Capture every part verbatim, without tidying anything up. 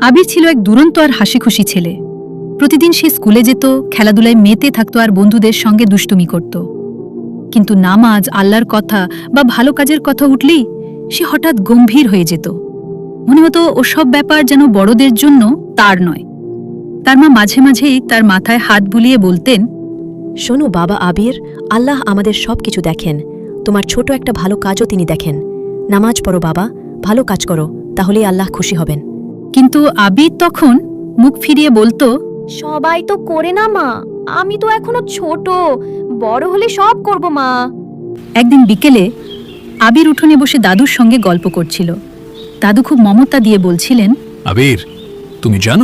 আবির ছিল এক দুরন্ত আর হাসিখুশি ছেলে। প্রতিদিন সে স্কুলে যেত, খেলাধুলায় মেতে থাকত আর বন্ধুদের সঙ্গে দুষ্টুমি করত। কিন্তু নামাজ, আল্লাহর কথা বা ভালো কাজের কথা উঠলেই সে হঠাৎ গম্ভীর হয়ে যেত। মনে হতো ওসব ব্যাপার যেন বড়দের জন্য, তার নয়। তার মা মাঝে মাঝেই তার মাথায় হাত বুলিয়ে বলতেন, শোনো বাবা আবির, আল্লাহ আমাদের সব কিছু দেখেন। তোমার ছোট একটা ভালো কাজও তিনি দেখেন। নামাজ পড়ো বাবা, ভালো কাজ করো, তাহলেই আল্লাহ খুশি হবেন। কিন্তু আবির তখন মুখ ফিরিয়ে বলতো, সবাই তো করে না মা, আমি তো এখনো ছোট, বড় হলে সব করব মা। একদিন বিকেলে আবির উঠোনে বসে দাদুর সঙ্গে গল্প করছিল। দাদু খুব মমতা দিয়ে বলছিলেন, আবির, তুমি জানো,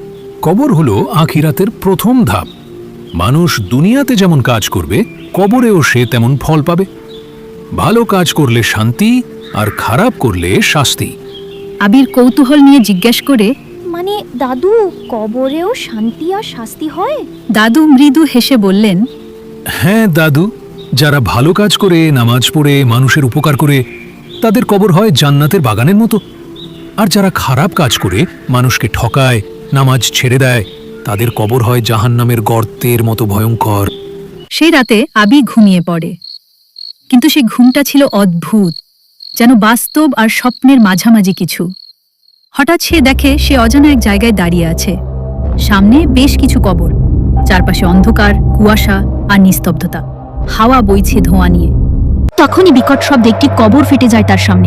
কবর হলো আখিরাতের প্রথম ধাপ। মানুষ দুনিয়াতে যেমন কাজ করবে, কবরেও সে তেমন ফল পাবে। ভালো কাজ করলে শান্তি, আর খারাপ করলে শাস্তি। আবির কৌতূহল নিয়ে জিজ্ঞেস করে, মানে দাদু, কবরেও শান্তি আর শাস্তি হয়? দাদু মৃদু হেসে বললেন, হ্যাঁ দাদু, যারা ভালো কাজ করে, নামাজ পড়ে, মানুষের উপকার করে, তাদের কবর হয় জান্নাতের বাগানের মতো। আর যারা খারাপ কাজ করে, মানুষকে ঠকায়, নামাজ ছেড়ে দেয়, তাদের কবর হয় জাহান্নামের গর্তের মতো ভয়ঙ্কর। সেই রাতে আবির ঘুমিয়ে পড়ে। কিন্তু সেই ঘুমটা ছিল অদ্ভুত, যেন বাস্তব আর স্বপ্নের মাঝামাঝি কিছু। হঠাৎ সে দেখে সে অজানা এক জায়গায় দাঁড়িয়ে আছে। সামনে বেশ কিছু কবর, চারপাশে অন্ধকার, কুয়াশা আর নিস্তব্ধতা। হাওয়া বইছে ধোঁয়া নিয়ে। তখনই বিকট শব্দে একটি কবর ফেটে যায় তার সামনে।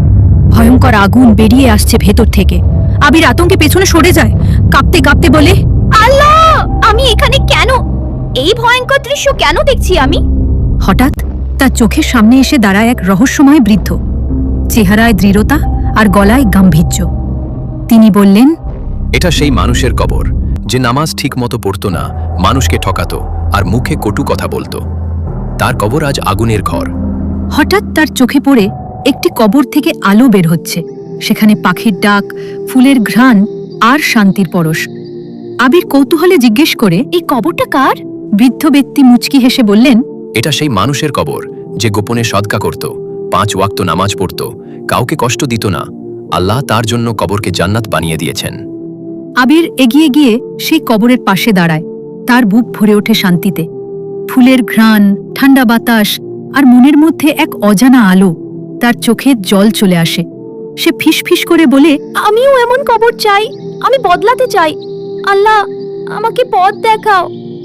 ভয়ঙ্কর আগুন বেরিয়ে আসছে ভেতর থেকে। আবির আতঙ্কে পেছনে সরে যায়, কাঁপতে কাঁপতে বলে, আল্লাহ, আমি এখানে কেন? এই ভয়ঙ্কর দৃশ্য কেন দেখছি আমি? হঠাৎ তার চোখের সামনে এসে দাঁড়ায় এক রহস্যময় বৃদ্ধ। চেহারায় দৃঢ়তা আর গলায় গাম্ভীর্য। তিনি বললেন, এটা সেই মানুষের কবর যে নামাজ ঠিক মতো পড়তো না, মানুষকে ঠকাতো আর মুখে কটু কথা বলতো। তার কবর আজ আগুনের ঘর। হঠাৎ তার চোখে পড়ে একটি কবর থেকে আলো বের হচ্ছে। সেখানে পাখির ডাক, ফুলের ঘ্রাণ আর শান্তির পরশ। আবির কৌতূহলে জিজ্ঞেস করে, এই কবরটা কার? বৃদ্ধ ব্যক্তি মুচকি হেসে বললেন, এটা সেই মানুষের কবর যে গোপনে সদকা করত, পাঁচ ওয়াক্ত নামাজ পড়ত, কাউকে কষ্ট দিত না। আল্লাহ তার জন্য কবরকে জান্নাত বানিয়ে দিয়েছেন। আবির এগিয়ে গিয়ে সেই কবরের পাশে দাঁড়ায়। তার বুক ভরে ওঠে শান্তিতে। ফুলের ঘ্রাণ, ঠান্ডা বাতাস আর মনের মধ্যে এক অজানা আলো। তার চোখে জল চলে আসে। সে ফিসফিস করে বলে, আমিও এমন কবর চাই, আমি বদলাতে চাই। আল্লাহ, আমাকে পথ দেখাও।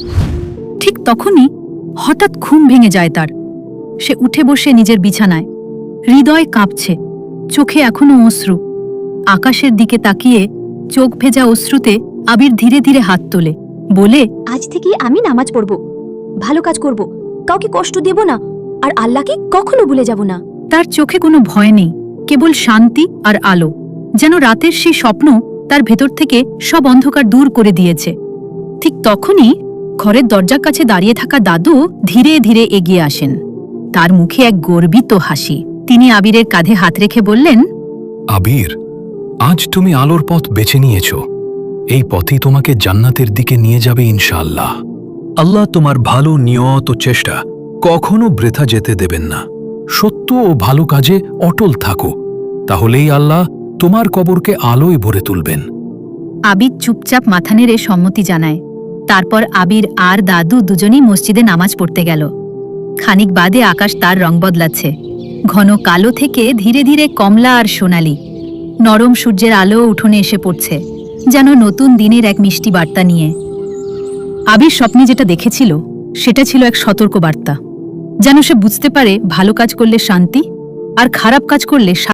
ঠিক তখনই হঠাৎ ঘুম ভেঙে যায় তার। সে উঠে বসে নিজের বিছানায়। হৃদয় কাঁপছে, চোখে এখনো অশ্রু। আকাশের দিকে তাকিয়ে চোখ ভেজা অশ্রুতে আবির ধীরে ধীরে হাত তোলে, বলে, আজ থেকে আমি নামাজ পড়ব, ভালো কাজ করব, কাউকে কষ্ট দেব না, আর আল্লাহকে কখনো ভুলে যাব না। তার চোখে কোনো ভয় নেই, কেবল শান্তি আর আলো। যেন রাতের সেই স্বপ্ন তার ভেতর থেকে সব অন্ধকার দূর করে দিয়েছে। ঠিক তখনই ঘরের দরজার কাছে দাঁড়িয়ে থাকা দাদু ধীরে ধীরে এগিয়ে আসেন। তার মুখে এক গর্বিত হাসি। তিনি আবিরের কাঁধে হাত রেখে বললেন, আবির, আজ তুমি আলোর পথ বেছে নিয়েছ। এই পথই তোমাকে জান্নাতের দিকে নিয়ে যাবে ইনশাআল্লাহ। আল্লাহ তোমার ভালো নিয়ত ও চেষ্টা কখনো বৃথা যেতে দেবেন না। সত্য ও ভালো কাজে অটল থাকো, তাহলেই আল্লাহ তোমার কবরকে আলোয় ভরে তুলবেন। আবির চুপচাপ মাথা নেড়ে সম্মতি জানায়। তারপর আবির আর দাদু দুজনেই মসজিদে নামাজ পড়তে গেল। খানিক বাদে আকাশ তার রং বদলাচ্ছে। ঘন কালো থেকে ধীরে ধীরে কমলা আর সোনালি। নরম সূর্যের আলো উঠোনে এসে পড়ছে, যেন নতুন দিনের এক মিষ্টি বার্তা নিয়ে। আবির স্বপ্নে যেটা দেখেছিল সেটা ছিল এক সতর্ক বার্তা। যেন সে বুঝতে পারে ভালো কাজ করলে শান্তি, আর খারাপ কাজ করলে